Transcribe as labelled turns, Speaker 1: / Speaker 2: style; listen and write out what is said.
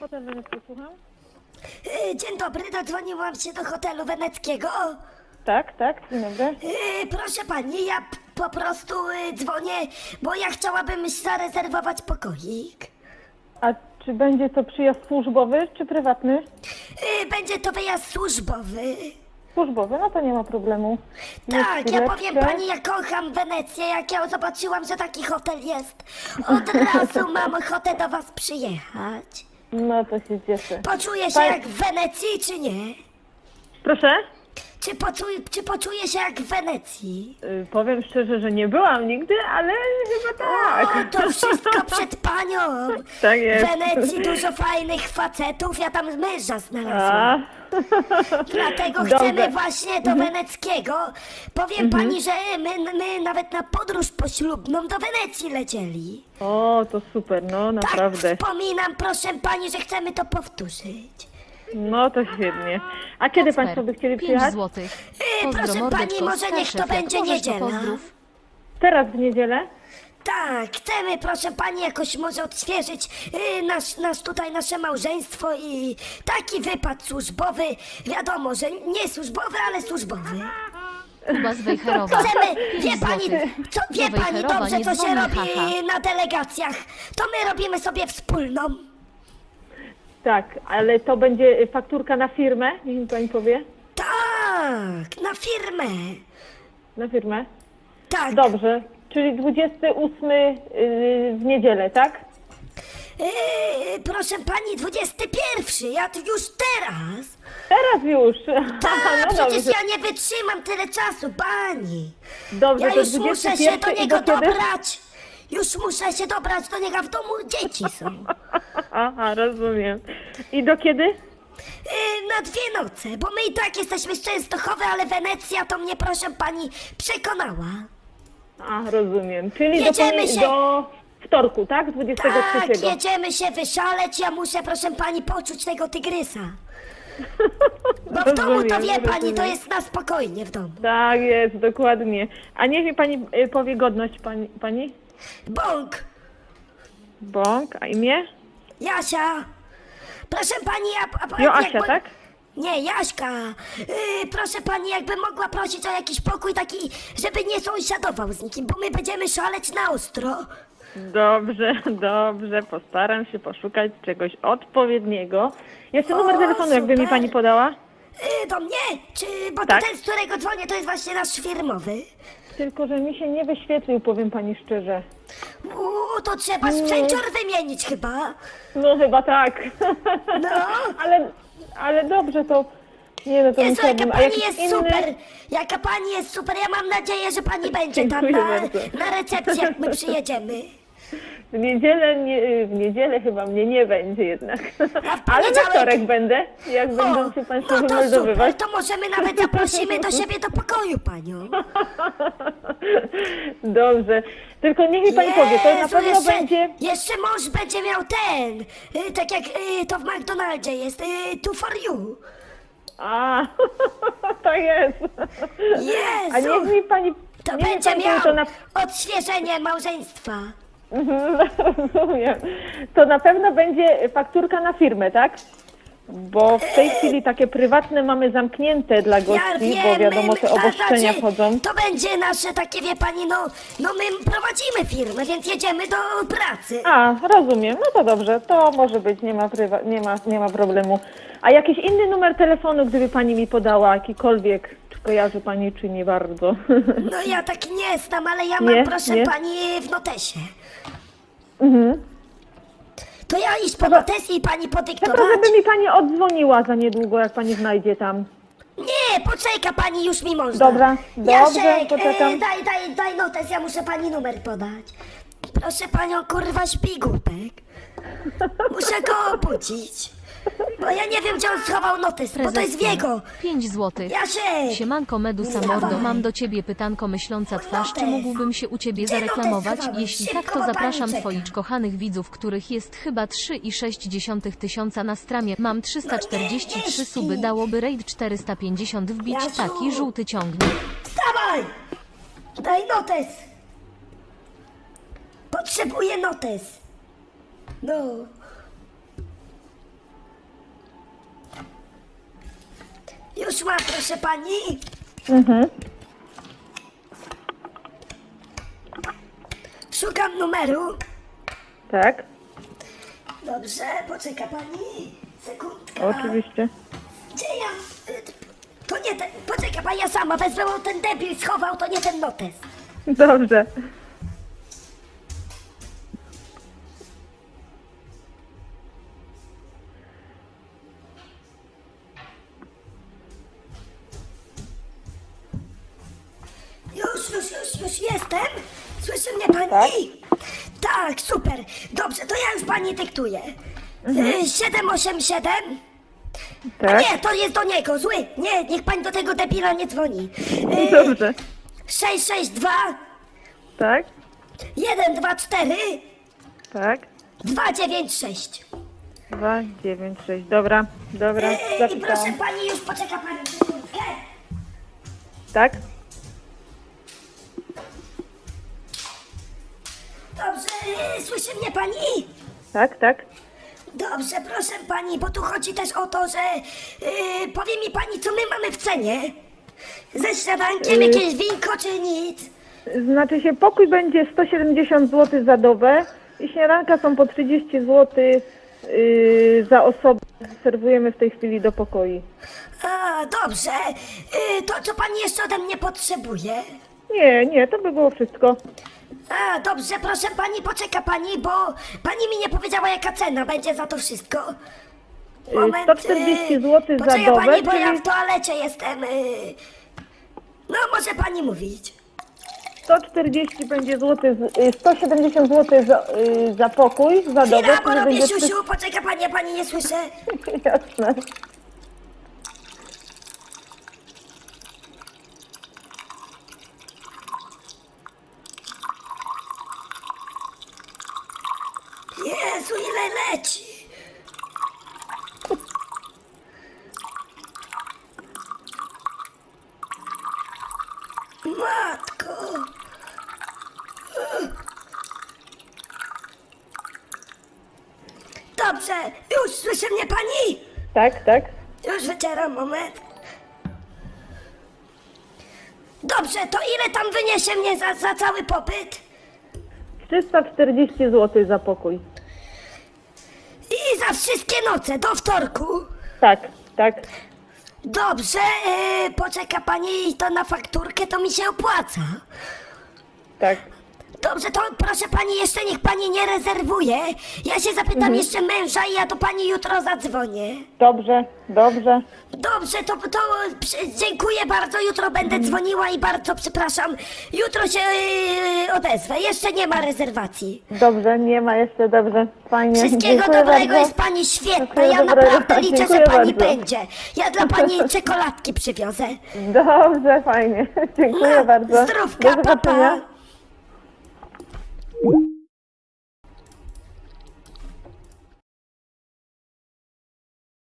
Speaker 1: Hotel Wenecki, słucham?
Speaker 2: Dzień dobry, dodzwoniłam się do hotelu weneckiego.
Speaker 1: Tak, dzień dobry.
Speaker 2: Proszę pani, ja po prostu dzwonię, bo ja chciałabym zarezerwować pokoik.
Speaker 1: A czy będzie to przyjazd służbowy czy prywatny?
Speaker 2: Będzie to wyjazd służbowy.
Speaker 1: Służbowy, no to nie ma problemu.
Speaker 2: Tak, ja powiem
Speaker 1: chwileczkę.
Speaker 2: pani, ja kocham Wenecję. Jak ja zobaczyłam, że taki hotel jest, od razu mam ochotę do was przyjechać.
Speaker 1: No to się cieszę.
Speaker 2: Poczuję się
Speaker 1: Pani-
Speaker 2: jak w Wenecji, czy nie?
Speaker 1: Proszę?
Speaker 2: Czy poczuję się jak w Wenecji?
Speaker 1: Powiem szczerze, że nie byłam nigdy, ale chyba tak.
Speaker 2: O, to wszystko przed panią.
Speaker 1: Tak jest.
Speaker 2: W Wenecji dużo fajnych facetów, ja tam męża
Speaker 1: A,
Speaker 2: znalazłam. Dlatego
Speaker 1: Dobrze.
Speaker 2: chcemy właśnie do weneckiego. Powiem pani, że my nawet na podróż poślubną do Wenecji lecieli.
Speaker 1: o, to super, no naprawdę.
Speaker 2: Tak wspominam, proszę pani, że chcemy to powtórzyć.
Speaker 1: No to świetnie. A kiedy Państwo by chcieli
Speaker 3: 5
Speaker 1: przyjechać?
Speaker 3: złotych.
Speaker 2: Proszę
Speaker 3: Pozdro,
Speaker 2: pani,
Speaker 3: mordeczko,
Speaker 2: może niech to
Speaker 3: Staszek, jak
Speaker 2: będzie
Speaker 3: możesz, to
Speaker 2: niedziela.
Speaker 3: pozdrów.
Speaker 1: Teraz w niedzielę?
Speaker 2: Tak, chcemy, proszę pani, jakoś może odświeżyć nasze małżeństwo i taki wypad służbowy, wiadomo, że nie służbowy, ale służbowy.
Speaker 3: Kuba z Wejherowa.
Speaker 2: Chcemy,
Speaker 3: 5
Speaker 2: wie pani,
Speaker 3: złotych.
Speaker 2: wie
Speaker 3: Do
Speaker 2: pani
Speaker 3: Wejherowa
Speaker 2: dobrze,
Speaker 3: nie
Speaker 2: co się
Speaker 3: dzwoni,
Speaker 2: robi
Speaker 3: haha.
Speaker 2: na delegacjach. To my robimy sobie wspólną.
Speaker 1: Tak, ale to będzie fakturka na firmę, niech mi Pani powie.
Speaker 2: Tak, na firmę.
Speaker 1: Na firmę?
Speaker 2: Tak.
Speaker 1: Dobrze, czyli 28 w niedzielę, tak?
Speaker 2: Proszę pani, 21, ja tu już teraz.
Speaker 1: Teraz już.
Speaker 2: Tak,
Speaker 1: no
Speaker 2: przecież
Speaker 1: dobrze.
Speaker 2: ja nie wytrzymam tyle czasu, pani.
Speaker 1: Dobrze,
Speaker 2: Ja
Speaker 1: to
Speaker 2: już muszę
Speaker 1: 21
Speaker 2: się do
Speaker 1: i
Speaker 2: niego
Speaker 1: do kiedy?
Speaker 2: dobrać. Już muszę się dobrać do niego, a w domu dzieci są.
Speaker 1: Aha, rozumiem. I do kiedy?
Speaker 2: Na 2 noce, bo my i tak jesteśmy z Częstochowy, ale Wenecja to mnie, proszę pani, przekonała.
Speaker 1: A, rozumiem. Czyli
Speaker 2: Jedziemy się.
Speaker 1: do wtorku, tak? 23.
Speaker 2: Tak, jedziemy się wyszaleć, ja muszę, proszę pani, poczuć tego tygrysa. Bo w domu to wie pani, to
Speaker 1: rozumiem.
Speaker 2: jest na spokojnie w domu.
Speaker 1: Tak jest, dokładnie. A niech mi Pani powie godność Pani?
Speaker 2: Bąk,
Speaker 1: Bąk, a imię?
Speaker 2: Jasia. Proszę pani,
Speaker 1: Joasia, tak?
Speaker 2: Nie, Jaśka. Proszę pani, jakby mogła prosić o jakiś pokój taki, żeby nie sąsiadował z nikim, bo my będziemy szaleć na ostro.
Speaker 1: Dobrze, postaram się poszukać czegoś odpowiedniego. Jeszcze numer
Speaker 2: O,
Speaker 1: telefonu, jakby mi
Speaker 2: super.
Speaker 1: Pani podała?
Speaker 2: Do mnie? Bo
Speaker 1: Tak.
Speaker 2: to ten, z którego dzwonię, to jest właśnie nasz firmowy.
Speaker 1: Tylko, że mi się nie wyświetlił, powiem Pani szczerze.
Speaker 2: To trzeba sprzęcior wymienić chyba.
Speaker 1: No chyba tak.
Speaker 2: No.
Speaker 1: ale dobrze, to... Nie no, to
Speaker 2: Jezu, jaka
Speaker 1: musiałabym... A
Speaker 2: pani
Speaker 1: jakiś
Speaker 2: jest
Speaker 1: inny...
Speaker 2: super! Jaka pani jest super! Ja mam nadzieję, że pani będzie tam
Speaker 1: Dziękuję bardzo.
Speaker 2: na recepcji, jak my przyjedziemy.
Speaker 1: W niedzielę chyba mnie nie będzie jednak.
Speaker 2: A w
Speaker 1: Ale we
Speaker 2: poniedziałek-
Speaker 1: wtorek będę, jak będą się Państwo
Speaker 2: no to super,
Speaker 1: wymeldowywać.
Speaker 2: to możemy nawet zaprosimy do siebie do pokoju panią.
Speaker 1: Dobrze. Tylko niech mi Pani powie, to na
Speaker 2: Jezu,
Speaker 1: pewno
Speaker 2: jeszcze,
Speaker 1: będzie...
Speaker 2: Jeszcze mąż będzie miał ten, tak jak to w McDonaldzie jest, two for you.
Speaker 1: A, to jest. A
Speaker 2: Jezu,
Speaker 1: niech mi Pani...
Speaker 2: to
Speaker 1: niech mi
Speaker 2: będzie
Speaker 1: pani powie,
Speaker 2: miał
Speaker 1: to na...
Speaker 2: odświeżenie małżeństwa.
Speaker 1: Rozumiem. To na pewno będzie fakturka na firmę, tak? Bo w tej chwili takie prywatne mamy zamknięte dla gości, bo wiadomo, te obostrzenia wchodzą.
Speaker 2: To będzie nasze takie, wie pani, no my prowadzimy firmę, więc jedziemy do pracy.
Speaker 1: A, rozumiem. No to dobrze, to może być, nie ma problemu. A jakiś inny numer telefonu, gdyby Pani mi podała, jakikolwiek, czy kojarzy Pani, czy nie bardzo?
Speaker 2: No ja tak nie znam, ale ja mam,
Speaker 1: Nie,
Speaker 2: proszę
Speaker 1: nie.
Speaker 2: pani, w notesie.
Speaker 1: Mhm.
Speaker 2: To ja iść po notes i pani
Speaker 1: Tylko
Speaker 2: podyktować?
Speaker 1: żeby mi Pani odzwoniła za niedługo, jak Pani znajdzie tam.
Speaker 2: Nie, poczeka pani, już mi można.
Speaker 1: Dobra, dobrze,
Speaker 2: Jasiek,
Speaker 1: poczekam.
Speaker 2: daj notes, ja muszę pani numer podać. Proszę panią, kurwa, śpi głupek. Muszę go obudzić. Bo ja nie wiem, gdzie on schował notes, bo to jest w jego.
Speaker 3: 5 złotych.
Speaker 2: Jasiek!
Speaker 3: Siemanko Medusa
Speaker 2: Wstawaj.
Speaker 3: Mordo, mam do ciebie pytanko myśląca twarz, czy mógłbym się u ciebie
Speaker 2: Gdzie notes
Speaker 3: zareklamować?
Speaker 2: schowałeś?
Speaker 3: Jeśli
Speaker 2: Szybko,
Speaker 3: tak, to
Speaker 2: bo pani
Speaker 3: zapraszam
Speaker 2: czeka.
Speaker 3: twoich kochanych widzów, których jest chyba 3,6 tysiąca na stramie. Mam 343 suby, dałoby raid 450 wbić,
Speaker 2: Jasiu.
Speaker 3: taki żółty ciągnik.
Speaker 2: Wstawaj! Daj notes. Potrzebuję notes. No. Już mam, proszę pani. Szukam numeru.
Speaker 1: Tak,
Speaker 2: Dobrze, poczeka pani. Sekundka.
Speaker 1: oczywiście.
Speaker 2: Gdzie ja? To nie ten. Poczeka pani, ja sama wezmę, bo ten debil schował, to nie ten notes.
Speaker 1: Dobrze.
Speaker 2: Już jestem. Słyszy mnie pani? Tak, super. Dobrze, to ja już pani dyktuję. 787.
Speaker 1: Tak,
Speaker 2: Nie, to jest do niego, zły. Nie, niech pani do tego debila nie dzwoni.
Speaker 1: dobrze.
Speaker 2: 662
Speaker 1: Tak,
Speaker 2: 124
Speaker 1: tak.
Speaker 2: 296.
Speaker 1: 2, 9, 6. Dobra, dobra.
Speaker 2: I proszę
Speaker 1: Zapisałam.
Speaker 2: pani, już poczeka pani sekundkę.
Speaker 1: Tak,
Speaker 2: Dobrze, słyszy mnie pani?
Speaker 1: tak, tak.
Speaker 2: Dobrze, proszę pani, bo tu chodzi też o to, że powie mi pani, co my mamy w cenie? Ze śniadankiem jakieś winko czy nic?
Speaker 1: Znaczy się, pokój będzie 170 zł za dobę i śniadanka są po 30 zł za osobę. Serwujemy w tej chwili do pokoi.
Speaker 2: A, dobrze. To co pani jeszcze ode mnie potrzebuje?
Speaker 1: Nie, to by było wszystko.
Speaker 2: A, dobrze, proszę pani, poczeka pani, bo pani mi nie powiedziała, jaka cena będzie za to wszystko.
Speaker 1: 140 zł za
Speaker 2: poczeka
Speaker 1: dobę,
Speaker 2: pani, bo ja
Speaker 1: czyli-
Speaker 2: w toalecie jestem. No, może pani mówić.
Speaker 1: 140 będzie złoty, 170 zł za pokój, za dobę.
Speaker 2: Chwila, bo
Speaker 1: czyli
Speaker 2: robię
Speaker 1: będzie
Speaker 2: siusiu, poczeka pani, ja pani nie słyszę.
Speaker 1: Jasne.
Speaker 2: Jezu, ile leci. Matko. Dobrze, już słyszy mnie pani?
Speaker 1: Tak, tak.
Speaker 2: Już wycieram, moment. Dobrze, to ile tam wyniesie mnie za cały popyt?
Speaker 1: 340 zł za pokój.
Speaker 2: I za wszystkie noce, do wtorku.
Speaker 1: Tak, tak.
Speaker 2: Dobrze, poczeka pani, to na fakturkę to mi się opłaca.
Speaker 1: Tak.
Speaker 2: Dobrze, to proszę pani, jeszcze niech pani nie rezerwuje. Ja się zapytam jeszcze męża i ja do pani jutro zadzwonię.
Speaker 1: Dobrze, dobrze.
Speaker 2: Dobrze, to dziękuję bardzo, jutro będę dzwoniła i bardzo przepraszam. Jutro się odezwę, jeszcze nie ma rezerwacji.
Speaker 1: Dobrze, nie ma jeszcze, dobrze. Fajnie.
Speaker 2: Wszystkiego
Speaker 1: Dziękuję
Speaker 2: dobrego,
Speaker 1: bardzo.
Speaker 2: jest pani świetna,
Speaker 1: Wszystkiego
Speaker 2: ja
Speaker 1: dobrego.
Speaker 2: naprawdę liczę, że
Speaker 1: Dziękuję
Speaker 2: pani
Speaker 1: bardzo.
Speaker 2: będzie. Ja dla pani czekoladki przywiozę.
Speaker 1: Dobrze, fajnie. Dziękuję
Speaker 2: No,
Speaker 1: bardzo.
Speaker 2: zdrówka,
Speaker 1: Do
Speaker 2: pa,
Speaker 1: zobaczenia.
Speaker 2: pa.